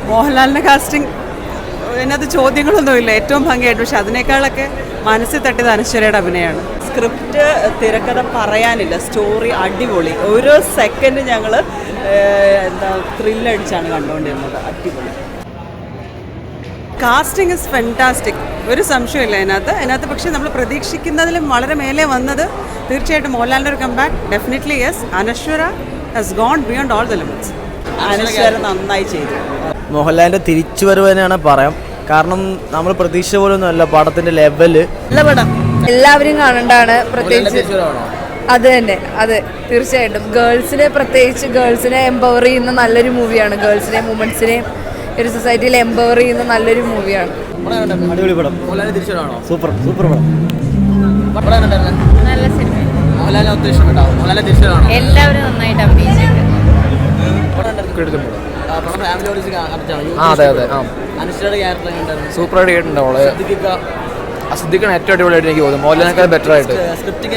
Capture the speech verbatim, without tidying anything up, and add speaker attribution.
Speaker 1: മോഹൻലാലിൻ്റെ കാസ്റ്റിംഗ് അതിനകത്ത് ചോദ്യങ്ങളൊന്നുമില്ല, ഏറ്റവും ഭംഗിയായിട്ട്. പക്ഷെ അതിനേക്കാളൊക്കെ മനസ്സിൽ തട്ടിയത് അനശ്വരയുടെ അഭിനയമാണ്. സ്ക്രിപ്റ്റ് തിരക്കഥ പറയാനില്ല, സ്റ്റോറി അടിപൊളി. ഓരോ സെക്കൻഡ് ഞങ്ങൾ എന്താ ത്രില്ലടിച്ചാണ് കണ്ടുകൊണ്ടിരുന്നത്. അടിപൊളി. കാസ്റ്റിംഗ് ഇസ് ഫെൻറ്റാസ്റ്റിക്, ഒരു സംശയമില്ല അതിനകത്ത് അതിനകത്ത് പക്ഷേ നമ്മൾ പ്രതീക്ഷിക്കുന്നതിലും വളരെ മേലെ വന്നത് തീർച്ചയായിട്ടും മോഹൻലാലിൻ്റെ ഒരു comeback. Definitely yes. Anaswara has gone beyond all the limits. Anaswara നന്നായി ചെയ്തു.
Speaker 2: മോഹൻലാലിൻ്റെ തിരിച്ചു വരവ് തന്നെയാണ് പറയാം. കാരണം നമ്മൾ പ്രതീക്ഷ പോലൊന്നും അല്ല പടത്തിൻ്റെ ലെവല്.
Speaker 3: നല്ല പടം, എല്ലാവരും കാണേണ്ടതാണ്. പ്രത്യേകിച്ച് അത് തന്നെ, അതെ തീർച്ചയായിട്ടും. ഗേൾസിനെ പ്രത്യേകിച്ച് ഗേൾസിനെ എംപവർ ചെയ്യുന്ന നല്ലൊരു മൂവിയാണ്. ഗേൾസിനെ വുമൻസിനെ ഒരു സൊസൈറ്റിയിൽ എംപവർ ചെയ്യുന്ന നല്ലൊരു മൂവിയാണ്.
Speaker 2: അടിപൊളി പടം. സൂപ്പർ സൂപ്പർ പടം.
Speaker 3: നല്ല സിനിമ. എല്ലാവരും നന്നായിട്ട് അഭിനയിച്ചിട്ടുണ്ട്.
Speaker 4: അതെ അതെ ആ സൂപ്പറായിട്ട് കേട്ടിട്ടുണ്ട്. അവള് സിദ്ദിഖാണ് ഏറ്റവും അടിപൊളിയായിട്ട് എനിക്ക് തോന്നുന്നു. മോഹൻലാലിനേക്കാൾ ബെറ്റർ ആയിട്ട്.